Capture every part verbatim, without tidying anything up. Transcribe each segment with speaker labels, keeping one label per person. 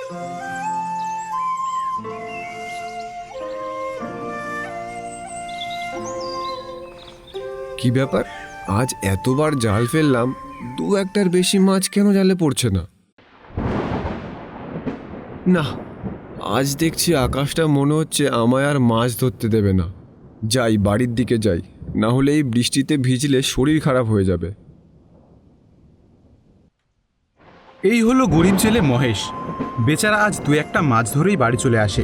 Speaker 1: কি ব্যাপার, আজ এতবার জাল ফেললাম, দু একটার বেশি মাছ কেন জালে পড়ছে না? না, আজ দেখছি আকাশটা মনে হচ্ছে আমায় আর মাছ ধরতে দেবে না। যাই, বাড়ির দিকে যাই, না হলে এই বৃষ্টিতে ভিজলে শরীর খারাপ হয়ে যাবে।
Speaker 2: এই হলো গরিব ছেলে মহেশ। বেচারা আজ দু একটা মাছ ধরেই বাড়ি চলে আসে।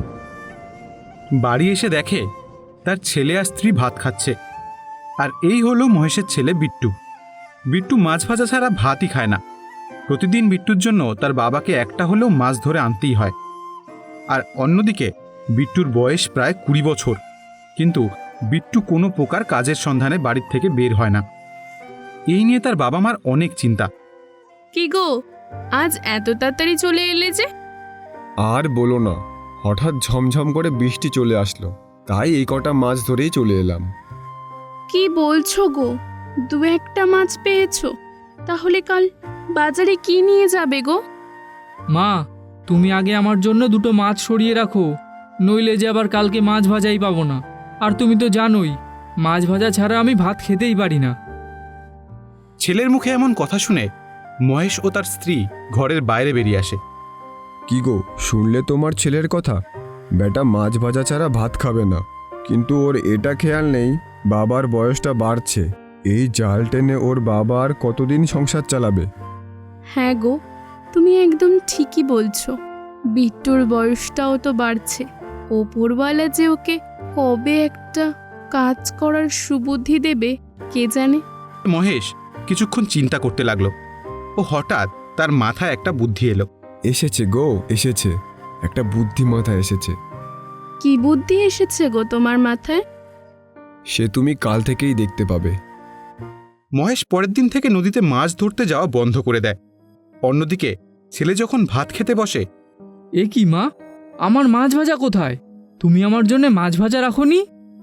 Speaker 2: বাড়ি এসে দেখে তার ছেলে আর স্ত্রী ভাত খাচ্ছে। আর এই হলো মহেশের ছেলে বিট্টু। বিট্টু মাছ ভাজা ছাড়া ভাতই খায় না। প্রতিদিন বিট্টুর জন্য তার বাবাকে একটা হলেও মাছ ধরে আনতেই হয়। আর অন্যদিকে বিট্টুর বয়স প্রায় কুড়ি বছর, কিন্তু বিট্টু কোনো প্রকার কাজের সন্ধানে বাড়ির থেকে বের হয় না। এই নিয়ে তার বাবা মার অনেক চিন্তা।
Speaker 3: কি গো, আজ এত তাড়াতাড়ি চলে এলে যে?
Speaker 1: আর বলো না, হঠাৎ ঝমঝম করে বৃষ্টি চলে আসলো, তাই এই কটা মাছ ধরেই চলে এলাম।
Speaker 3: কি বলছো গো, দু একটা মাছ পেয়েছো? তাহলে কাল বাজারে কি নিয়ে যাবে গো?
Speaker 4: মা, তুমি আগে আমার জন্য দুটো মাছ সরিয়ে রাখো, নইলে যে আবার কালকে মাছ ভাজাই পাবো না। আর তুমি তো জানোই, মাছ ভাজা ছাড়া আমি ভাত খেতেই পারি না।
Speaker 2: ছেলের মুখে এমন কথা শুনে মহেশ ও তার স্ত্রী ঘরের বাইরে বেরিয়ে আসে।
Speaker 1: কি গো, শুনলে তোমার ছেলের কথা? বেটা মাছ ভাজা ছাড়া ভাত খাবে না, কিন্তু ওর এটা খেয়াল নেই বাবার বয়সটা বাড়ছে। এই জাল টেনে ওর বাবা আর কতদিন সংসার চালাবে?
Speaker 3: হ্যাঁ গো, তুমি একদম ঠিকই বলছো। বিট্টুর বয়সটাও তো বাড়ছে। ওপরওয়ালা যে ওকে কবে একটা কাজ করার সুবুদ্ধি দেবে কে জানে।
Speaker 2: মহেশ কিছুক্ষণ চিন্তা করতে লাগলো। ও হঠাৎ তার মাথায় একটা বুদ্ধি এলো।
Speaker 1: এসেছে গো, এসেছে, একটা বুদ্ধি মাথায় এসেছে।
Speaker 3: কি বুদ্ধি এসেছে গো তোমার মাথায়?
Speaker 1: সে তুমি কাল থেকেই দেখতে পাবে।
Speaker 2: মহেশ পরের দিন থেকে নদীতে মাছ ধরতে যাওয়া বন্ধ করে দেয়। অন্যদিকে ছেলে যখন ভাত খেতে বসে,
Speaker 4: এ কি মা, আমার মাছ ভাজা কোথায়? তুমি আমার জন্য মাছ ভাজা রাখোনি?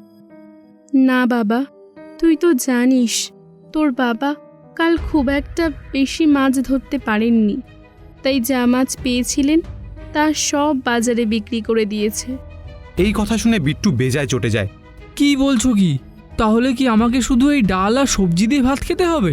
Speaker 3: না বাবা, তুই তো জানিস তোর বাবা কাল খুব একটা বেশি মাছ ধরতে পারেননি, তাই যা মাছ পেয়েছিলেন তা সব বাজারে বিক্রি করে দিয়েছে।
Speaker 2: এই কথা শুনে বিট্টু বেজায় চটে যায়।
Speaker 4: কি বলছো কি? তাহলে কি আমাকে শুধু এই ডাল আর সবজি দিয়ে ভাত খেতে হবে?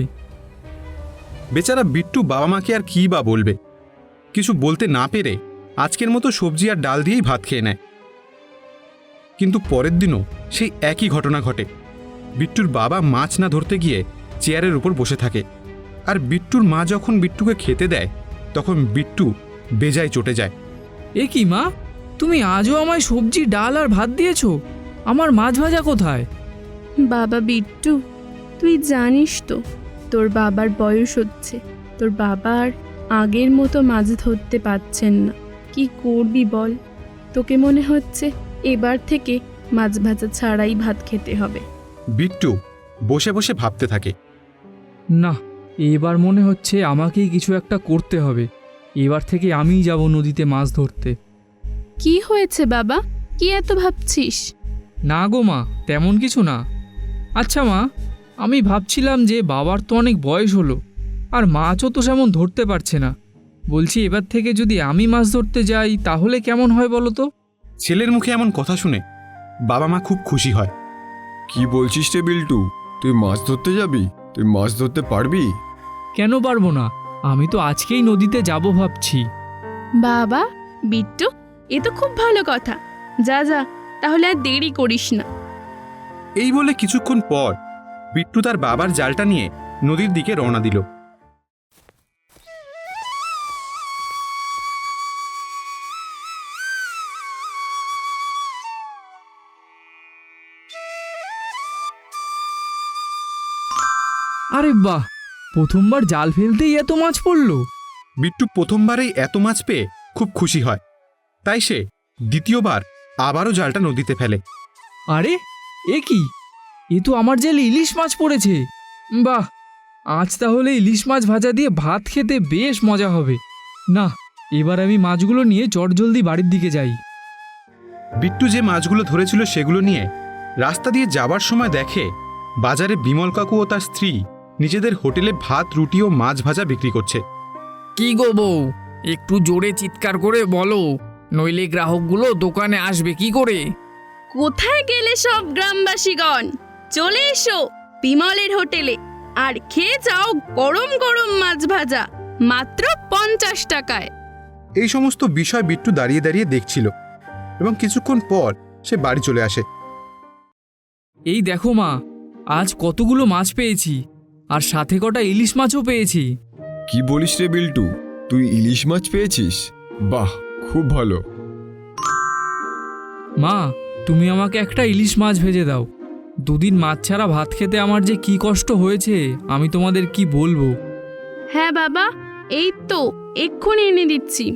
Speaker 2: বেচারা বিট্টু বাবা মাকে আর কী বা বলবে। কিছু বলতে না পেরে আজকের মতো সবজি আর ডাল দিয়েই ভাত খেয়ে নেয়। কিন্তু পরের দিনও সেই একই ঘটনা ঘটে। বিট্টুর বাবা মাছ না ধরতে গিয়ে চেয়ারের উপর বসে থাকে। আর বিট্টুর মা যখন বিট্টুকে খেতে দেয়, তখন বিট্টু বেজায় চটে যায়।
Speaker 4: এ কি মা, তুমি আজও আমায় সবজি ডাল আর ভাত দিয়েছো, আমার মাছ ভাজা কোথায়?
Speaker 3: বাবা বিট্টু, তুই জানিস তো তোর বাবার বয়স হচ্ছে। তোর বাবা আর আগের মতো মাছ ধরতে পারছেন না। কি করবি বল? তোকে মনে হচ্ছে এবার থেকে মাছ ভাজা ছাড়াই ভাত খেতে হবে।
Speaker 2: বিট্টু বসে বসে ভাবতে থাকে।
Speaker 4: না, এবার মনে হচ্ছে আমাকেই কিছু একটা করতে হবে। এবার থেকে আমিই যাব নদীতে মাছ ধরতে।
Speaker 3: কি হয়েছে বাবা, কি এত ভাবছিস?
Speaker 4: না গো মা, তেমন কিছু না। আচ্ছা মা, আমি ভাবছিলাম যে বাবার তো অনেক বয়স হলো, আর মাছও তো সেমন ধরতে পারছে না। বলছি এবার থেকে যদি আমি মাছ ধরতে যাই তাহলে কেমন হয় বলো তো?
Speaker 2: ছেলের মুখে এমন কথা শুনে বাবা মা খুব খুশি হয়।
Speaker 1: কি বলছিস রে বিল্টু, তুই মাছ ধরতে যাবি? তুই মাছ ধরতে পারবি?
Speaker 4: কেন পারবো না, আমি তো আজকেই নদীতে যাব ভাবছি।
Speaker 3: বাবা বিট্টু, এ তো খুব ভালো কথা। যা যা, তাহলে আর দেরি করিস না।
Speaker 2: এই বলে কিছুক্ষণ পর বিট্টু তার বাবার জালটা নিয়ে নদীর দিকে রওনা দিল।
Speaker 4: আরে বাহ, প্রথমবার জাল ফেলতেই এত মাছ পড়লো।
Speaker 2: বিট্টু প্রথমবারেই এত মাছ পেয়ে খুব খুশি হয়। তাই সে দ্বিতীয়বার আবারও জালটা নদীতে ফেলে।
Speaker 4: আরে এ কি, এ তো আমার জালে ইলিশ মাছ পড়েছে। বাহ, আজ তাহলে ইলিশ মাছ ভাজা দিয়ে ভাত খেতে বেশ মজা হবে। না, এবার আমি মাছগুলো নিয়ে চটজলদি বাড়ির দিকে যাই।
Speaker 2: বিট্টু যে মাছগুলো ধরেছিল সেগুলো নিয়ে রাস্তা দিয়ে যাবার সময় দেখে বাজারে বিমল কাকু ও তার স্ত্রী নিজেদের হোটেলে ভাত, রুটি ও মাছ ভাজা বিক্রি করছে।
Speaker 4: কি গো বউ, একটু জোরে চিৎকার করে বলো, নইলে গ্রাহকগুলো দোকানে আসবে কি করে?
Speaker 3: কোথায় গেলে সব গ্রামবাসীগণ? চলে এসো বিমলের হোটেলে আর খেয়ে যাও গরম গরম মাছ ভাজা, মাত্র পঞ্চাশ টাকায়।
Speaker 2: এই সমস্ত বিষয় বিট্টু দাঁড়িয়ে দাঁড়িয়ে দেখছিল এবং কিছুক্ষণ পর সে বাড়ি চলে আসে।
Speaker 4: এই দেখো মা, আজ কতগুলো মাছ পেয়েছি, আর সাথে কটা ইলিশ মাছও পেয়েছি।
Speaker 1: কি বলিস রে বিল্টু, তুই ইলিশ মাছ পেয়েছিস? বাহ, খুব ভালো।
Speaker 4: মা, তুমি আমাকে একটা ইলিশ মাছ ভেজে দাও। দুদিন মাছ ছাড়া ভাত খেতে আমার যে কি কষ্ট হয়েছে আমি তোমাদের কি বলবো।
Speaker 3: হ্যাঁ বাবা, এই তো এক্ষুনি এনে দিচ্ছি।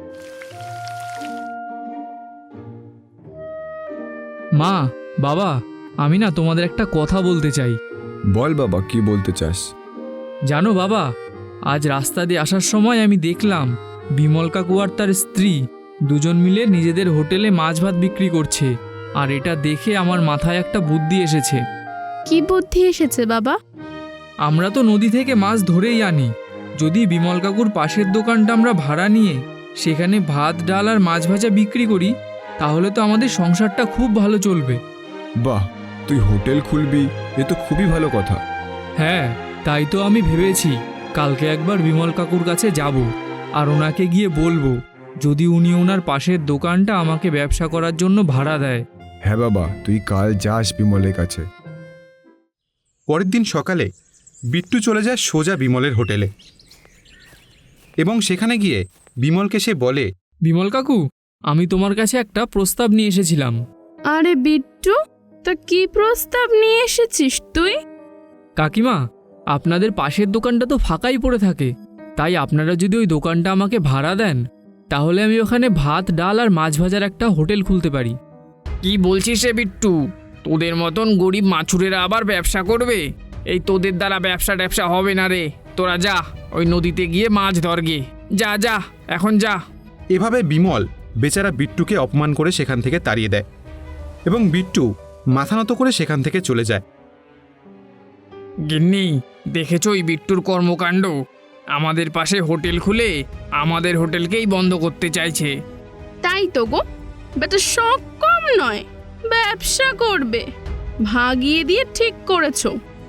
Speaker 4: মা, বাবা, আমি না তোমাদের একটা কথা বলতে চাই।
Speaker 1: বল বাবা, কি বলতে চাস?
Speaker 4: জানো বাবা, আজ রাস্তা দিয়ে আসার সময় আমি দেখলাম বিমল কাকু আর তার স্ত্রী দুজন মিলে নিজেদের হোটেলে মাছ ভাত বিক্রি করছে। আর এটা দেখে আমার মাথায় একটা বুদ্ধি এসেছে।
Speaker 3: কি বুদ্ধি এসেছে বাবা?
Speaker 4: আমরা তো নদী থেকে মাছ ধরেই আনি। যদি বিমল কাকুর পাশের দোকানটা আমরা ভাড়া নিয়ে সেখানে ভাত ডাল আর মাছ ভাজা বিক্রি করি, তাহলে তো আমাদের সংসারটা খুব ভালো চলবে।
Speaker 1: বাহ, তুই হোটেল খুলবি, এ তো খুবই ভালো কথা।
Speaker 4: হ্যাঁ, তাই তো আমি ভেবেছি কালকে একবার বিমল কাকুর কাছে যাব আর ওনাকে গিয়ে বলবো যদি উনি ওনার পাশের দোকানটা আমাকে ব্যবসা করার জন্য ভাড়া দেয়।
Speaker 1: হ্যাঁ বাবা, তুই কাল যাস বিমলের কাছে।
Speaker 2: পরের দিন সকালে বিট্টু চলে যায় সোজা বিমলের হোটেলে এবং সেখানে গিয়ে বিমলকে সে বলে,
Speaker 4: বিমল কাকু, আমি তোমার কাছে একটা প্রস্তাব নিয়ে এসেছিলাম।
Speaker 3: আরে বিট্টু, তা কি প্রস্তাব নিয়ে এসেছিস তুই?
Speaker 4: কাকিমা, আপনাদের পাশের দোকানটা তো ফাঁকাই পড়ে থাকে, তাই আপনারা যদি ওই দোকানটা আমাকে ভাড়া দেন তাহলে আমি ওখানে ভাত ডাল আর মাছ ভাজার একটা হোটেল খুলতে পারি। কি বলছিস রে বিট্টু, তোদের মতন গরিব মাছুরেরা আবার ব্যবসা করবে? এই তোদের দ্বারা ব্যবসা ট্যাবসা হবে না রে। তোরা যা, ওই নদীতে গিয়ে মাছ ধরগে। যা যা, এখন যা।
Speaker 2: এভাবে বিমল বেচারা বিট্টুকে অপমান করে সেখান থেকে তাড়িয়ে দেয় এবং বিট্টু মাথা নত করে সেখান থেকে চলে যায়।
Speaker 4: গিন্নি, দেখেছো ওই বিট্টুর কর্মকাণ্ড? আমাদের পাশে হোটেল খুলে আমাদের হোটেলকেই বন্ধ করতে চাইছে।
Speaker 3: তাই তো গো, বেটা শখ কম নয়, ব্যবসা করবে। ভাগিয়ে দিয়ে ঠিক করেছো।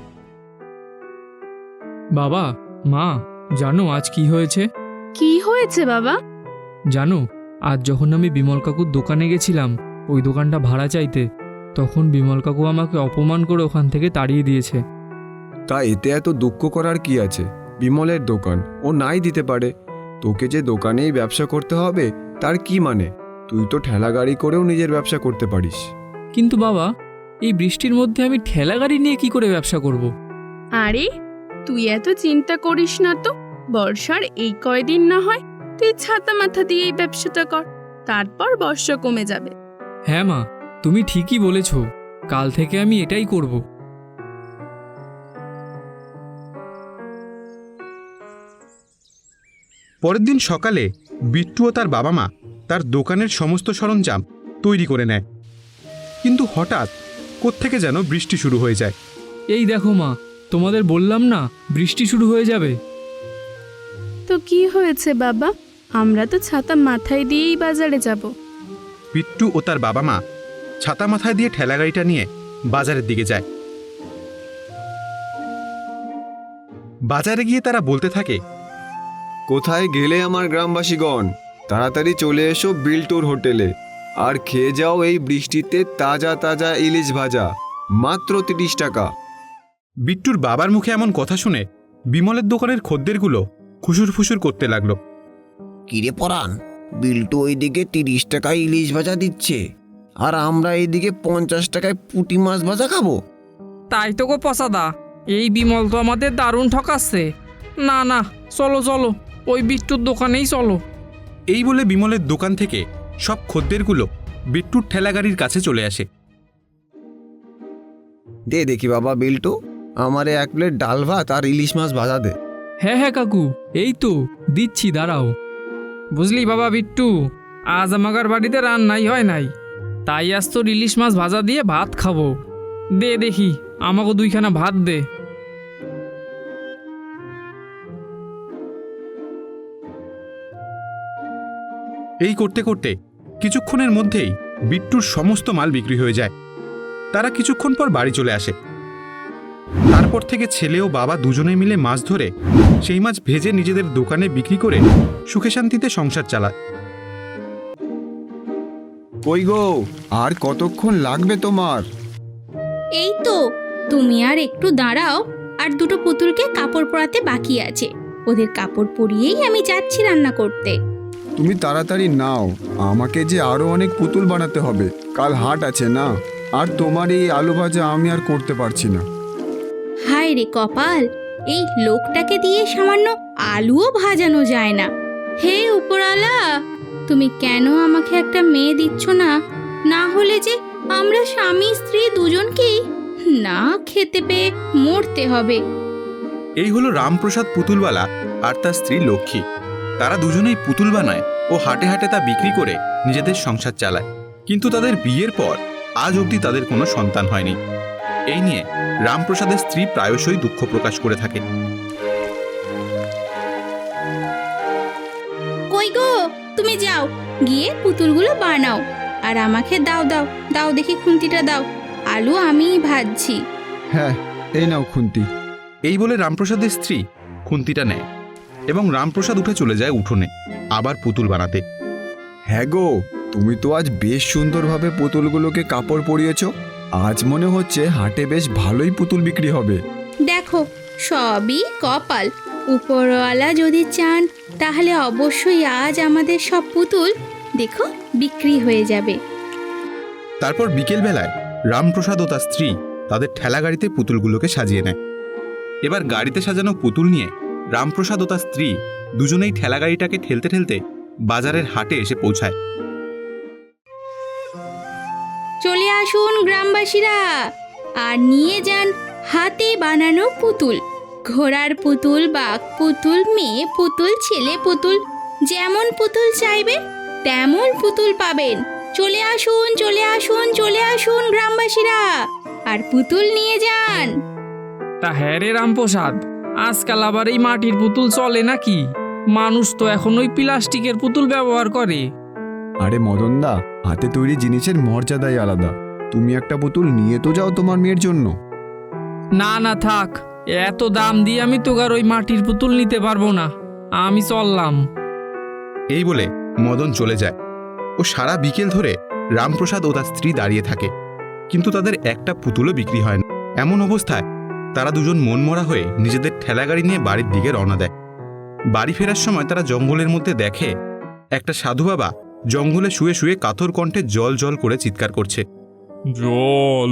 Speaker 4: বাবা, মা, জানো আজ কি হয়েছে?
Speaker 3: কি হয়েছে বাবা?
Speaker 4: জানো, আজ যখন আমি বিমল কাকুর দোকানে গেছিলাম ওই দোকানটা ভাড়া চাইতে, তখন বিমল কাকু আমাকে অপমান করে ওখান থেকে তাড়িয়ে দিয়েছে।
Speaker 1: তা এতে এত দুঃখ করার কি আছে? বিমলের দোকান, ও নাই দিতে পারে। তোকে যে দোকানেই ব্যবসা করতে হবে তার কি মানে? তুই তো ঠেলা গাড়ি করেও নিজের ব্যবসা করতে পারিস।
Speaker 4: কিন্তু বাবা, এই বৃষ্টির মধ্যে আমি ঠেলা গাড়ি নিয়ে কি করে ব্যবসা করব?
Speaker 3: আরে তুই এত চিন্তা করিস না তো। বর্ষার এই কয়দিন না হয় তুই ছাতা মাথা দিয়ে এই ব্যবসাটা কর, তারপর বর্ষা কমে যাবে।
Speaker 4: হ্যাঁ মা, তুমি ঠিকই বলেছ, কাল থেকে আমি এটাই করব।
Speaker 2: পরের দিন সকালে বিট্টু ও তার বাবা মা তার দোকানের সমস্ত সরঞ্জাম তৈরি করে নেয়, কিন্তু হঠাৎ কোত্থেকে যেন বৃষ্টি শুরু হয়ে যায়।
Speaker 4: এই দেখো মা, তোমাদের বললাম না বৃষ্টি শুরু হয়ে যাবে।
Speaker 3: তো কি হয়েছে বাবা? আমরা তো ছাতা মাথায় দিয়েই বাজারে যাব।
Speaker 2: বিট্টু ও তার বাবা মা ছাতা মাথায় দিয়ে ঠেলা গাড়িটা নিয়ে বাজারের দিকে যায়। বাজারে গিয়ে তারা বলতে থাকে,
Speaker 1: কোথায় গেলে আমার গ্রামবাসীগণ? তাড়াতাড়ি চলে এসো বিল্টুর হোটেলে আর খেয়ে যাও এই বৃষ্টিতে তাজা তাজা ইলিশ ভাজা, মাত্র তিরিশ টাকা।
Speaker 2: বিট্টুর বাবার মুখে এমন কথা শুনে বিমলের দোকানের খদ্দেরগুলো খুশুর ফুসুর করতে লাগলো।
Speaker 5: কিরে পরাণ, বিল্টু ওইদিকে তিরিশ টাকায় ইলিশ ভাজা দিচ্ছে আর আমরা এইদিকে পঞ্চাশ টাকায় পুঁটি মাছ ভাজা খাবো।
Speaker 4: তাই তো গো পসাদা, এই বিমল তো আমাদের দারুণ ঠকাচ্ছে। না না, চলো চলো, ওই বিট্টুর দোকানেই চলো।
Speaker 2: এই বলে বিমলের দোকান থেকে সব খদ্দেরগুলো বিট্টুর ঠেলা গাড়ির কাছে চলে আসে।
Speaker 5: দে দেখি বাবা বিল্টু, আমারে এক প্লেট ডাল ভাত আর ইলিশ মাছ ভাজা দে।
Speaker 4: হ্যাঁ হ্যাঁ কাকু, এই তো দিচ্ছি, দাঁড়াও। বুঝলি বাবা বিট্টু, আজ আমাদের বাড়িতে রান্নাই হয় নাই, তাই আজ তোর ইলিশ মাছ ভাজা দিয়ে ভাত খাবো। দে দেখি, আমাকে দুইখানা ভাত দে।
Speaker 2: এই করতে করতে কিছুক্ষণের মধ্যেই বিট্টুর সমস্ত মাল বিক্রি হয়ে যায়। তারা কিছুক্ষণ পর বাড়ি চলে আসে। তারপর থেকে ছেলে ও বাবা দুজনে মিলে মাছ ধরে সেই মাছ ভেজে নিজেদের দোকানে বিক্রি করে সুখে শান্তিতে সংসার চালায়।
Speaker 1: কই গো, আর কতক্ষণ লাগবে তোমার?
Speaker 6: এই তো, তুমি আর একটু দাঁড়াও, আর দুটো পুতুলকে কাপড় পরাতে বাকি আছে, ওদের কাপড় পরিয়েই আমি যাচ্ছি রান্না করতে।
Speaker 1: তুমি তাড়াতাড়ি নাও, আমাকে যে আরো অনেক পুতুল বানাতে হবে, কাল হাট আছে না। আর তোমার এই আলু ভাজা আমি আর করতে পারছি না।
Speaker 6: হায় রে কপাল, এই লোকটাকে দিয়ে সামান্য আলুও ভাজানো যায় না। হে উপরওয়ালা, তুমি কেন আমাকে একটা মেয়ে দিচ্ছ না? না হলে যে আমরা স্বামী স্ত্রী দুজনকেই না খেতে পেয়ে মরতে হবে।
Speaker 2: এই হলো রামপ্রসাদ পুতুলওয়ালা আর তার স্ত্রী লক্ষ্মী। তারা দুজনেই পুতুল বানায় ও হাটে হাটে তা বিক্রি করে নিজেদের সংসার চালায়। কিন্তু তাদের বিয়ের পর আজ অবধি তাদের কোনো সন্তান হয়নি। এই নিয়ে রামপ্রসাদের স্ত্রী প্রায়শই দুঃখ প্রকাশ করে থাকে।
Speaker 6: কই গো, তুমি যাও, গিয়ে পুতুলগুলো বানাও, আর আমাকে দাও দাও দাও দেখি খুন্তিটা দাও, আলু আমিই ভাজছি।
Speaker 1: হ্যাঁ, এই নাও খুন্তি।
Speaker 2: এই বলে রামপ্রসাদের স্ত্রী খুন্তিটা নেয় এবং রামপ্রসাদ উঠে চলে যায় উঠোনে আবার পুতুল বানাতে।
Speaker 1: হ্যাঁ গো, তুমি তো আজ বেশ সুন্দরভাবে পুতুলগুলোকে কাপড় পরিয়েছ। আজ মনে হচ্ছে হাটে বেশ ভালোই পুতুল বিক্রি হবে।
Speaker 6: দেখো, সবই কপাল। উপরওয়ালা যদি চান তাহলে অবশ্যই আজ আমাদের সব পুতুল দেখো বিক্রি হয়ে যাবে।
Speaker 2: তারপর বিকেলবেলায় রামপ্রসাদ ও তার স্ত্রী তাদের ঠেলা গাড়িতে পুতুলগুলোকে সাজিয়ে নেয়। এবার গাড়িতে সাজানো পুতুল নিয়ে রামপ্রসাদ ও তার স্ত্রী দুজনেই ঠেলা গাড়িটাকে ঠেলতে ঠেলতে বাজারের হাটে এসে পৌঁছায়।
Speaker 6: চলে আসুন গ্রামবাসীরা, আর নিয়ে যান হাতে বানানো পুতুল। ঘোড়ার পুতুল, বাঘ পুতুল, মেয়ে পুতুল, ছেলে পুতুল, যেমন পুতুল চাইবেন তেমন পুতুল পাবেন। চলে আসুন চলে আসুন চলে আসুন গ্রামবাসীরা, আর পুতুল নিয়ে যান।
Speaker 4: তা হ্যাঁ রে রামপ্রসাদ, আজকাল আবার এই মাটির পুতুল চলে নাকি? মানুষ তো এখন ওই প্লাস্টিকের পুতুল ব্যবহার করে।
Speaker 1: আরে মদনদা, হাতে তৈরি জিনিসের মর্যাদাই আলাদা। তুমি একটা পুতুল নিয়ে তো যাও তোমার মেয়ের জন্য।
Speaker 4: না না থাক, এত দাম দিয়ে আমি তো আর ওই মাটির পুতুল নিতে পারবো না, আমি চললাম।
Speaker 2: এই বলে মদন চলে যায় ও সারা বিকেল ধরে রামপ্রসাদ ও তার স্ত্রী দাঁড়িয়ে থাকে, কিন্তু তাদের একটা পুতুলও বিক্রি হয় না। এমন অবস্থায় তারা দুজন মনমরা হয়ে নিজেদের ঠেলাগাড়ি নিয়ে বাড়ির দিকে রওনা দেয়। বাড়ি ফেরার সময় তারা জঙ্গলের মধ্যে দেখে একটা সাধু বাবা জঙ্গলে শুয়ে শুয়ে কাতর কণ্ঠে জল জল করে চিৎকার করছে।
Speaker 7: জল,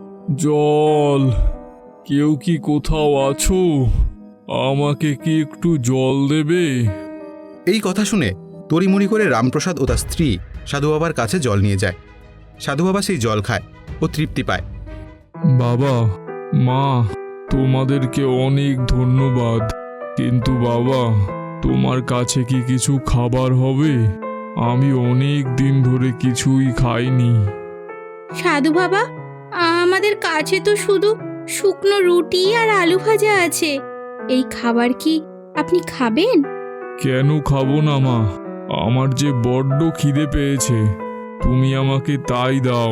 Speaker 7: জল, কেউ কি কোথাও আছো? আমাকে কি একটু জল দেবে?
Speaker 2: এই কথা শুনে তড়িমড়ি করে রামপ্রসাদ ও তার স্ত্রী সাধু বাবার কাছে জল নিয়ে যায়। সাধু বাবা সেই জল খায় ও তৃপ্তি পায়।
Speaker 7: বাবা, মা, তোমাদেরকে অনেক ধন্যবাদ, কিন্তু বাবা, তোমার কাছে কি কিছু খাবার হবে? আমি অনেক দিন ধরে কিছুই খাইনি।
Speaker 6: সাধু বাবা, আমাদের কাছে তো শুধু শুকনো রুটি আর আলু ভাজা আছে, এই খাবার কি আপনি খাবেন?
Speaker 7: কেন খাবো না মা, আমার যে বড্ড খিদে পেয়েছে, তুমি আমাকে তাই দাও।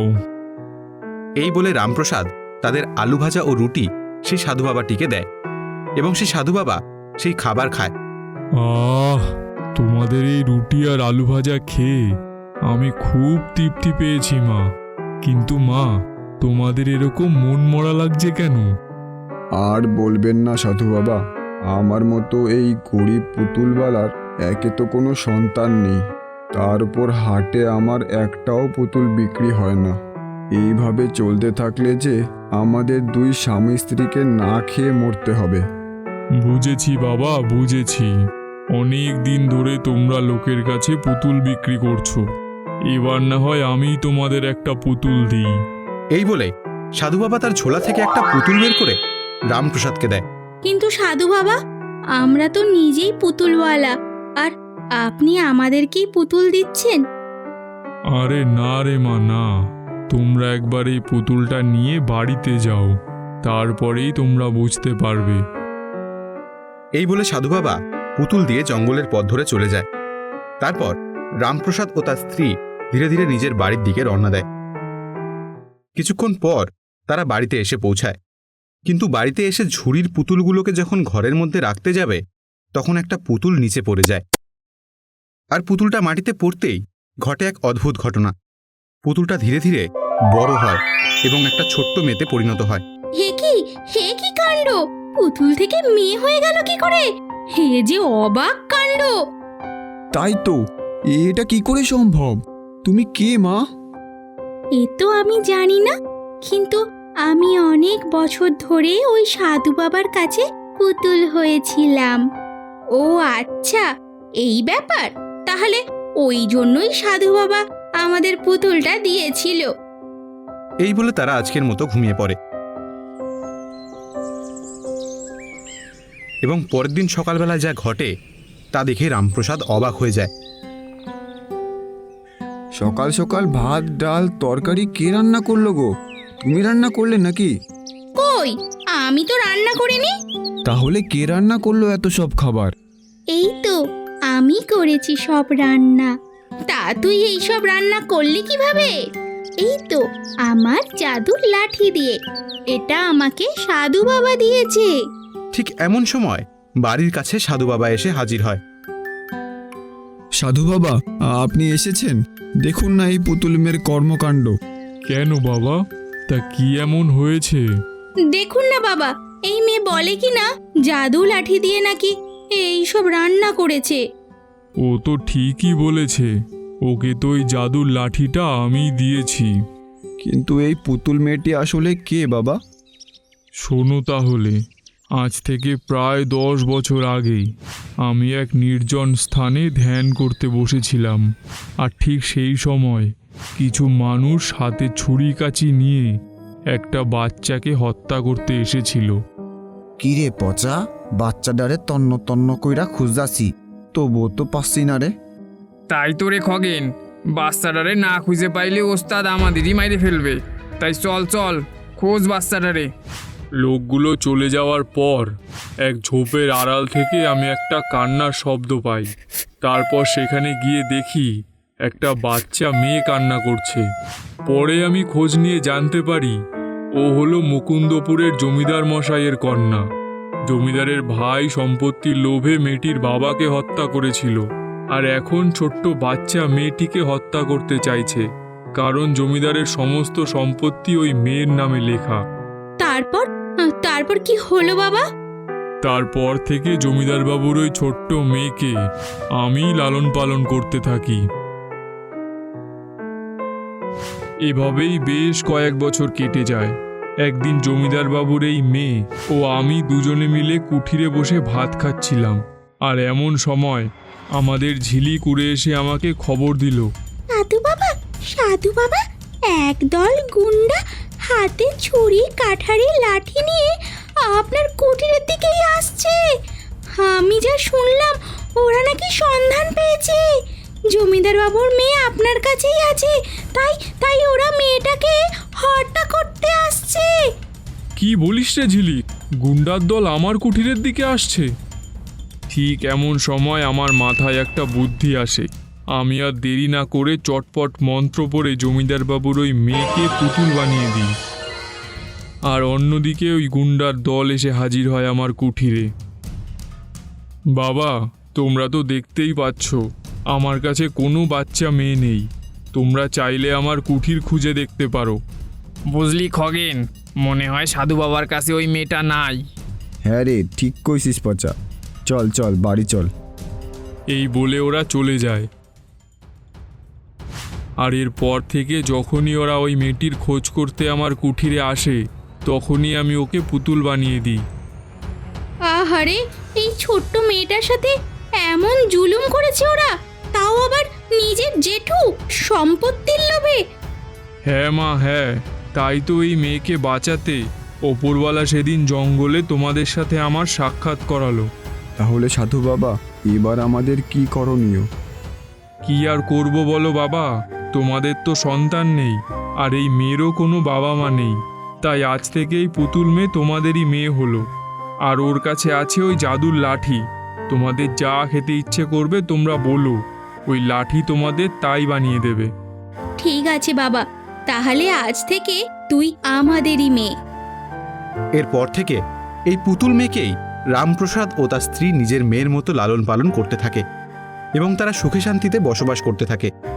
Speaker 2: এই বলে রামপ্রসাদ তাদের আলু ভাজা ও রুটি সেই সাধু বাবাটিকে দেয় এবং সেই সাধু বাবা সেই খাবার খায়।
Speaker 7: আহ, তোমাদের এই রুটি আর আলু ভাজা খেয়ে আমি খুব তৃপ্তি পেয়েছি মা। কিন্তু মা, তোমাদের এরকম মন মরা লাগছে কেন?
Speaker 1: আর বলবেন না সাধু বাবা, আমার মতো এই গরিব পুতুলওয়ালার একে তো কোনো সন্তান নেই, তার উপর হাটে আমার একটাও পুতুল বিক্রি হয় না। এইভাবে চলতে থাকলে যে আমাদের দুই স্বামী স্ত্রীকে না খেয়ে মরতে হবে।
Speaker 7: বুঝেছি বাবা, বুঝেছি। অনেক দিন ধরে তোমরা লোকের কাছে পুতুল বিক্রি করছো, এবার না হয় আমি তোমাদের একটা পুতুল দিই।
Speaker 2: এই বলে সাধু বাবা তার ঝোলা থেকে একটা পুতুল বের করে রামপ্রসাদকে দেয়।
Speaker 6: কিন্তু সাধু বাবা, আমরা তো নিজেই পুতুলওয়ালা, আর আপনি আমাদেরকেই পুতুল দিচ্ছেন?
Speaker 7: আরে না রে মা, না, তোমরা একবার এই পুতুলটা নিয়ে বাড়িতে যাও, তারপরেই তোমরা বুঝতে পারবে।
Speaker 2: এই বলে সাধু বাবা পুতুল দিয়ে জঙ্গলের পথ ধরে চলে যায়। তারপর রামপ্রসাদ ও তার স্ত্রী ধীরে ধীরে নিজের বাড়ির দিকে রওনা দেয়। কিছুক্ষণ পর তারা বাড়িতে এসে পৌঁছায়, কিন্তু বাড়িতে এসে ঝুড়ির পুতুলগুলোকে যখন ঘরের মধ্যে রাখতে যাবে তখন একটা পুতুল নিচে পড়ে যায়। আর পুতুলটা মাটিতে পড়তেই ঘটে এক অদ্ভুত ঘটনা। পুতুলটা ধীরে ধীরে বড় হয় এবং একটা ছোট্ট মেয়েতে পরিণত হয়।
Speaker 6: হে কি হে কি কাণ্ড! পুতুল থেকে মেয়ে হয়ে গেল কি করে? হে যে অবাক কাণ্ড!
Speaker 1: তাই তো, এটা কি করে সম্ভব? তুমি কে মা?
Speaker 6: এ তো আমি জানি না, কিন্তু আমি অনেক বছর ধরে ওই সাধু বাবার কাছে পুতুল হয়েছিলাম। ও আচ্ছা, এই ব্যাপার। তাহলে ওই জন্যই সাধু বাবা আমাদের পুতুলটা দিয়েছিল।
Speaker 2: এই বলে তারা আজকের মতো ঘুমিয়ে পড়ে এবং পরের দিন সকালবেলা যা ঘটে তা দেখে রামপ্রসাদ অবাক হয়ে যায়।
Speaker 1: সকাল সকাল ভাত ডাল তরকারি কে রান্না করলো গো? তুমি রান্না করলে নাকি?
Speaker 6: কই, আমি তো রান্না করিনি।
Speaker 1: তাহলে কে রান্না করলো এত সব খাবার?
Speaker 6: এই তো আমি করেছি সব রান্না। তা তুই এই সব রান্না করলি কিভাবে? এই তো আমার জাদুর লাঠি দিয়ে। এটা আমাকে সাধু বাবা দিয়েছে।
Speaker 2: ঠিক এমন সময় বাড়ির কাছে সাধু বাবা এসে হাজির হয়।
Speaker 1: সাধু বাবা, আপনি এসেছেন? দেখুন না এই পুতুল মেয়ের কর্মকাণ্ড।
Speaker 7: কেন বাবা, তা কি এমন হয়েছে?
Speaker 6: দেখুন না বাবা, এই মেয়ে বলে কি না জাদু লাঠি দিয়ে নাকি এই সব রান্না করেছে।
Speaker 7: ও তো ঠিকই বলেছে, ওকে তো ওই জাদুর লাঠিটা আমি দিয়েছি।
Speaker 1: কিন্তু এই পুতুল মেয়েটি আসলে কে বাবা?
Speaker 7: শোনো তাহলে, আজ থেকে প্রায় দশ বছর আগেই আমি এক নির্জন স্থানে ধ্যান করতে বসেছিলাম, আর ঠিক সেই সময় কিছু মানুষ হাতে ছুরি কাঁচি নিয়ে একটা বাচ্চাকে হত্যা করতে এসেছিল।
Speaker 1: কিরে পচা, বাচ্চাটারে তন্ন তন্ন কইরা খুঁজাছি, তবুও তো পাচ্ছি না রে।
Speaker 4: তাই তো রে খগেন, বাচ্চাটারে না খুঁজে পাইলে ওস্তাদ আমাদেরই মাইরে ফেলবে। তাই চল চল, খোঁজ বাচ্চাটারে।
Speaker 7: লোকগুলো চলে যাওয়ার পর এক ঝোপের আড়াল থেকে আমি একটা কান্নার শব্দ পাই। তারপর সেখানে গিয়ে দেখি একটা বাচ্চা মেয়ে কান্না করছে। পরে আমি খোঁজ নিয়ে জানতে পারি ও হলো মুকুন্দপুরের জমিদার মশাইয়ের কন্যা। জমিদারের ভাই সম্পত্তির লোভে মেয়েটির বাবাকে হত্যা করেছিল, আর এখন ছোট্ট বাচ্চা মেয়েটিকে হত্যা করতে চাইছে, কারণ জমিদারের সমস্ত সম্পত্তি ওই মেয়ের নামে লেখা।
Speaker 6: তারপর তারপর কি হলো বাবা?
Speaker 7: তারপর থেকে জমিদার বাবুর ওই ছোট্ট মেয়েকে আমি লালন পালন করতে থাকি। এভাবেই বেশ কয়েক বছর কেটে যায়। একদিন জমিদার বাবুর এই মেয়ে ও আমি দুজনে মিলে কুঠিরে বসে ভাত খাচ্ছিলাম, আর এমন সময় আমাদের ঝিলিক উড়ে এসে আমাকে খবর দিল।
Speaker 6: সাধু বাবা, সাধু বাবা, একদল গুন্ডা হাতে ছুরি কাঠারি লাঠি নিয়ে আপনার কুটিরের দিকেই আসছে। আমি যা শুনলাম, ওরা নাকি সন্ধান পেয়েছে। জমিদার বাবুর মেয়ে আপনার কাছেই আছে, তাই তাই ওরা মেয়েটাকে হত্যা করতে আসছে।
Speaker 7: কি বলিস রে ঝিলিক, গুন্ডার দল আমার কুঠিরের দিকে আসছে? ঠিক এমন সময় আমার মাথায় একটা বুদ্ধি আসে। আমি আর দেরি না করে চটপট মন্ত্র পড়ে জমিদার বাবুর ওই মেয়েকে পুতুল বানিয়ে দিই, আর অন্যদিকে ওই গুন্ডার দল এসে হাজির হয় আমার কুঠিরে। বাবা, তোমরা তো দেখতেই পাচ্ছ আমার কাছে কোনো বাচ্চা মেয়ে নেই। তোমরা চাইলে আমার কুঠির খুঁজে দেখতে পারো।
Speaker 4: বুঝলি খগেন, মনে হয় সাধু বাবার কাছে ওই মেয়েটা নাই।
Speaker 1: হ্যাঁ রে, ঠিক কইছিস পচা। চল চল বাড়ি চল।
Speaker 7: এই বলে ওরা চলে যায়। আর এরপর থেকে যখনই ওরা ওই মেয়েটির খোঁজ করতে আমার কুঠিরে আসে, তখনই আমি ওকে পুতুল বানিয়ে দিই।
Speaker 6: আহারে, এই ছোট্ট মেয়েটার সাথে এমন জুলুম করেছে ওরা, তাও আবার নিজের জেঠু সম্পত্তির লোভে।
Speaker 7: হ্যাঁ মা, হ্যাঁ, তাই তো এই মেয়েকে বাঁচাতে ওপরওয়ালা সেদিন জঙ্গলে তোমাদের সাথে আমার সাক্ষাৎ করালো।
Speaker 1: তাহলে সাধু বাবা, এবার আমাদের কি করণীয়?
Speaker 7: কি আর করব বলো বাবা, তোমাদের তো সন্তান নেই, আর এই মেয়েরও কোনো বাবা মা নেই। তাই আজ থেকে এই পুতুল মেয়ে তোমাদেরই মেয়ে হলো, আর ওর কাছে আছে ওই জাদুর লাঠি। তোমাদের যা খেতে ইচ্ছে করবে তোমরা বলো, ওই লাঠি তোমাদের তাই বানিয়ে দেবে।
Speaker 6: ঠিক আছে বাবা, তাহলে আজ থেকে তুই আমাদেরই মেয়ে।
Speaker 2: এরপর থেকে এই পুতুল মেয়েকেই রামপ্রসাদ ও তার স্ত্রী নিজের মেয়ের মতো লালন পালন করতে থাকে এবং তারা সুখে শান্তিতে বসবাস করতে থাকে।